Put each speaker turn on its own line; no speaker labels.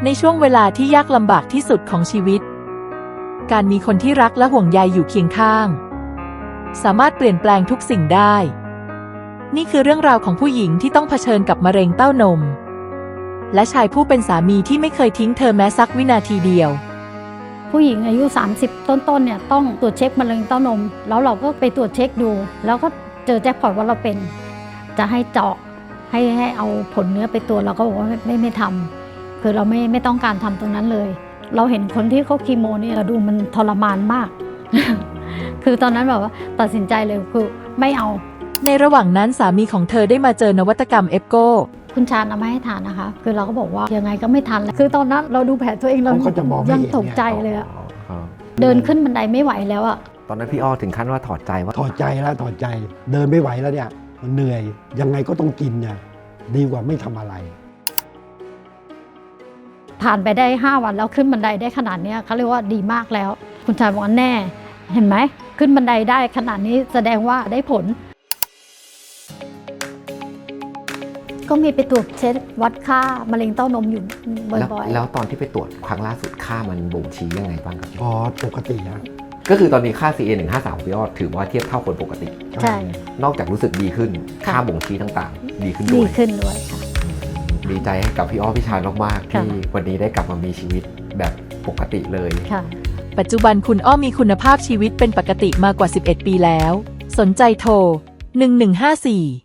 ในช่วงเวลาที่ยากลำบากที่สุดของชีวิตการมีคนที่รักและห่วงใยอยู่เคียงข้างสามารถเปลี่ยนแปลงทุกสิ่งได้นี่คือเรื่องราวของผู้หญิงที่ต้องเผชิญกับมะเร็งเต้านมและชายผู้เป็นสามีที่ไม่เคยทิ้งเธอแม้สักวินาทีเดียว
ผู้หญิงอายุ30ต้นเนี่ยต้องตรวจเช็คมะเร็งเต้านมแล้วเราก็ไปตรวจเช็คดูแล้วก็เจอแจ็คพอตว่าเราเป็นจะให้เจาะให้เอาผลเนื้อไปตรวจเราก็บอกว่าไม่ทำคือเราไม่ต้องการทำตรงนั้นเลยเราเห็นคนที่เขาคีโมเนี่ยเราดูมันทรมานมาก คือตอนนั้นแบบว่าตัดสินใจเลยคือไม่เอา
ในระหว่างนั้นสามีของเธอได้มาเจอนวัตกรรมเอฟโก
คุณชาญเอามาให้ทานนะคะคือเราก็บอกว่ายังไงก็ไม่ทันแล้วคือตอนนั้นเราดูแผลตัวเองเรายังตกใจเลยอะเดินขึ้นบันไดไม่ไหวแล้วอะ
ตอนนั้นพี่อ้อถึงขั้นว่าถอดใจว่า
ถอดใจแล้วถอดใจเดินไม่ไหวแล้วเนี่ยมันเหนื่อยยังไงก็ต้องกินเนี่ยดีกว่าไม่ทำอะไร
ผ่านไปได้5 วันแล้วขึ้นบันไดได้ขนาดนี้เขาเรียกว่าดีมากแล้วคุณชายบอกว่าแน่เห็นไหมขึ้นบันไดได้ขนาดนี้แสดงว่าได้ผลก็มีไปตรวจเช็ควัดค่ามะเร็งเต้านมอยู่บ่อย
ๆแล้วตอนที่ไปตรวจครั้งล่าสุดค่ามันบ่งชี้ยังไงบ้างครับ
ปกตินะ
ก็คือตอนนี้ค่า CA153 ของพี่อ้อถือว่าเทียบเท่าคนปกติ
ใช่
นอกจากรู้สึกดีขึ้นค่าบ่งชี้ต่างๆดีขึ้น
ด้วยค่ะ
ดีใจให้กับพี่อ้อพี่ชายมากๆที่วันนี้ได้กลับมามีชีวิตแบบปกติเลย
ปัจจุบันคุณอ้อมีคุณภาพชีวิตเป็นปกติมากว่า11 ปีแล้วสนใจโทร1154